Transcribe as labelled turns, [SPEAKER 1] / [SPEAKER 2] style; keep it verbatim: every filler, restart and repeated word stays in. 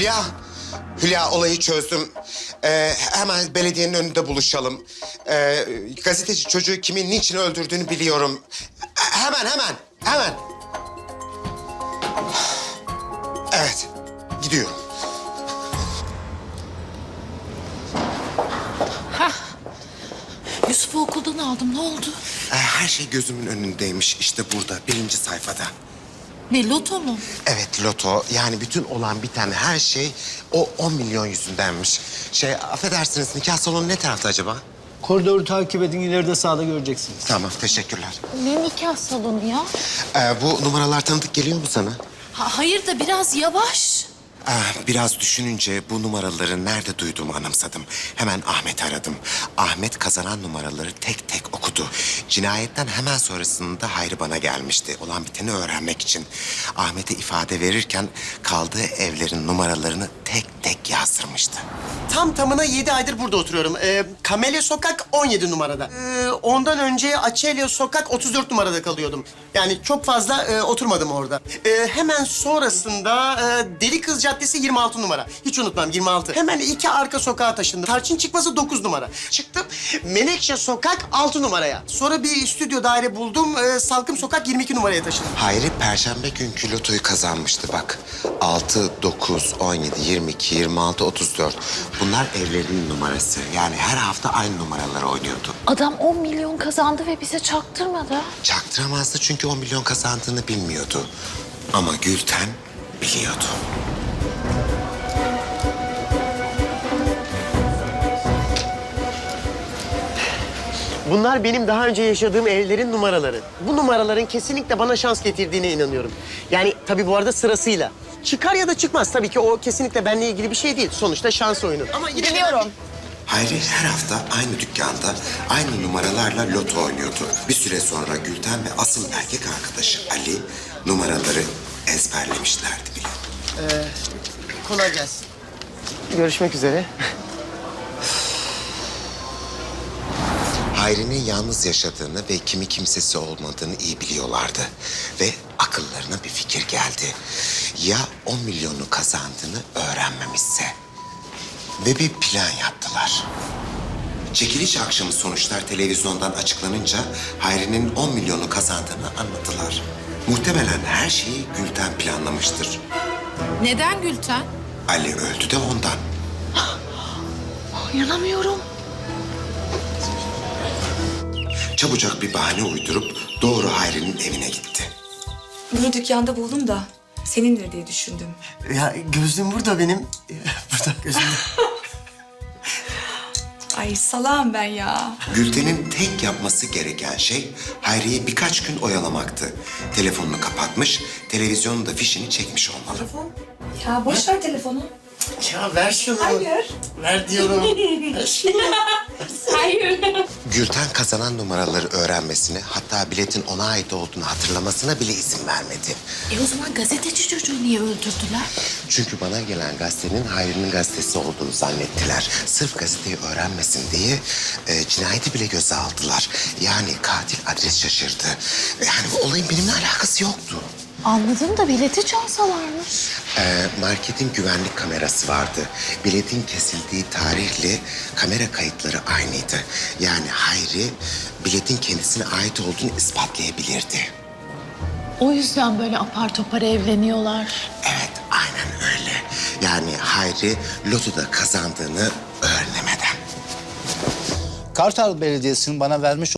[SPEAKER 1] Hülya, Hülya olayı çözdüm. Ee, hemen belediyenin önünde buluşalım. Ee, gazeteci çocuğu kimin niçin öldürdüğünü biliyorum. Hemen, hemen, hemen. Evet, gidiyorum.
[SPEAKER 2] Yusuf'u okuldan aldım. Ne oldu?
[SPEAKER 1] Ee, her şey gözümün önündeymiş. İşte burada, birinci sayfada.
[SPEAKER 2] Ne, loto mu?
[SPEAKER 1] Evet, loto. Yani bütün olan biten her şey o on milyon yüzündenmiş. Şey, affedersiniz, nikah salonu ne tarafta acaba?
[SPEAKER 3] Koridoru takip edin, ileride sağda göreceksiniz.
[SPEAKER 1] Tamam, teşekkürler.
[SPEAKER 2] Ne nikah salonu ya?
[SPEAKER 1] Ee, bu numaralar tanıdık geliyor mu sana?
[SPEAKER 2] Ha, hayır da biraz yavaş.
[SPEAKER 1] Ah, biraz düşününce bu numaraları nerede duyduğumu anımsadım. Hemen Ahmet'i aradım. Ahmet kazanan numaraları tek tek okudu. Cinayetten hemen sonrasında Hayri bana gelmişti. Olan biteni öğrenmek için. Ahmet'e ifade verirken kaldığı evlerin numaralarını tek tek yazdırmıştı.
[SPEAKER 4] Tam tamına yedi aydır burada oturuyorum. Ee, Kamelya Sokak on yedi numarada. Ee, ondan önce Açelya Sokak otuz dört numarada kalıyordum. Yani çok fazla e, oturmadım orada. Ee, hemen sonrasında e, Deli Kız Caddesi yirmi altı numara. Hiç unutmam, yirmi altı. Hemen iki arka sokağa taşındım. Tarçın Çıkmazı dokuz numara. Çıktım Menekşe Sokak altı numaraya. Sonra bir stüdyo daire buldum. E, Salkım Sokak yirmi iki numaraya taşındım.
[SPEAKER 1] Hayri perşembe günkü lotoyu kazanmıştı bak. Altı, dokuz, on yedi, yirmi iki, yirmi altı, otuz dört. Bunlar evlerinin numarası. Yani her hafta aynı numaraları oynuyordu.
[SPEAKER 2] Adam on milyon kazandı ve bize çaktırmadı.
[SPEAKER 1] Çaktıramazdı çünkü on milyon kazandığını bilmiyordu. Ama Gülten biliyordu.
[SPEAKER 4] Bunlar benim daha önce yaşadığım evlerin numaraları. Bu numaraların kesinlikle bana şans getirdiğine inanıyorum. Yani tabii bu arada sırasıyla. Çıkar ya da çıkmaz tabii ki o kesinlikle benimle ilgili bir şey değil. Sonuçta şans oyunu. Ama yine
[SPEAKER 2] Biliyorum.
[SPEAKER 1] Hayri her hafta aynı dükkanda aynı numaralarla loto oynuyordu. Bir süre sonra Gülten ve asıl erkek arkadaşı Ali numaraları ezberlemişlerdi bile.
[SPEAKER 4] kolay gelsin. Görüşmek üzere.
[SPEAKER 1] Hayri'nin yalnız yaşadığını ve kimi kimsesi olmadığını iyi biliyorlardı. Ve akıllarına bir fikir geldi. Ya on milyonu kazandığını öğrenmemişse? Ve bir plan yaptılar. Çekiliş akşamı sonuçlar televizyondan açıklanınca Hayri'nin on milyonu kazandığını anladılar. Muhtemelen her şeyi Gülten planlamıştır.
[SPEAKER 2] Neden Gülten?
[SPEAKER 1] Ali öldü de ondan.
[SPEAKER 2] İnanamıyorum.
[SPEAKER 1] Çabucak bir bahane uydurup doğru Hayri'nin evine gitti.
[SPEAKER 5] Bunu dükkanda buldum da senindir diye düşündüm.
[SPEAKER 4] Ya gözlüğüm burada benim. Burada gözlüğüm.
[SPEAKER 5] Ay salağım ben ya.
[SPEAKER 1] Gülten'in tek yapması gereken şey Hayri'yi birkaç gün oyalamaktı. Telefonunu kapatmış, televizyonun da fişini çekmiş olmalı.
[SPEAKER 5] Ya boş ver telefonu.
[SPEAKER 4] Ya ver şunu.
[SPEAKER 5] Hayır.
[SPEAKER 4] Ver diyorum. Ver şunu.
[SPEAKER 5] Hayır.
[SPEAKER 1] Gülten kazanan numaraları öğrenmesine, hatta biletin ona ait olduğunu hatırlamasına bile izin vermedi.
[SPEAKER 2] E o zaman gazeteci çocuğu niye öldürdüler?
[SPEAKER 1] Çünkü bana gelen gazetenin Hayri'nin gazetesi olduğunu zannettiler. Sırf gazeteyi öğrenmesin diye e, cinayeti bile göze aldılar. Yani katil adres şaşırdı. Yani bu olayın benimle alakası yoktu.
[SPEAKER 2] Anladım da bileti çalsalarmış.
[SPEAKER 1] Ee, marketin güvenlik kamerası vardı. Biletin kesildiği tarihle kamera kayıtları aynıydı. Yani Hayri biletin kendisine ait olduğunu ispatlayabilirdi.
[SPEAKER 2] O yüzden böyle apar topar evleniyorlar.
[SPEAKER 1] Evet, aynen öyle. Yani Hayri lotoda kazandığını öğrenemeden.
[SPEAKER 3] Kartal Belediyesi'nin bana vermiş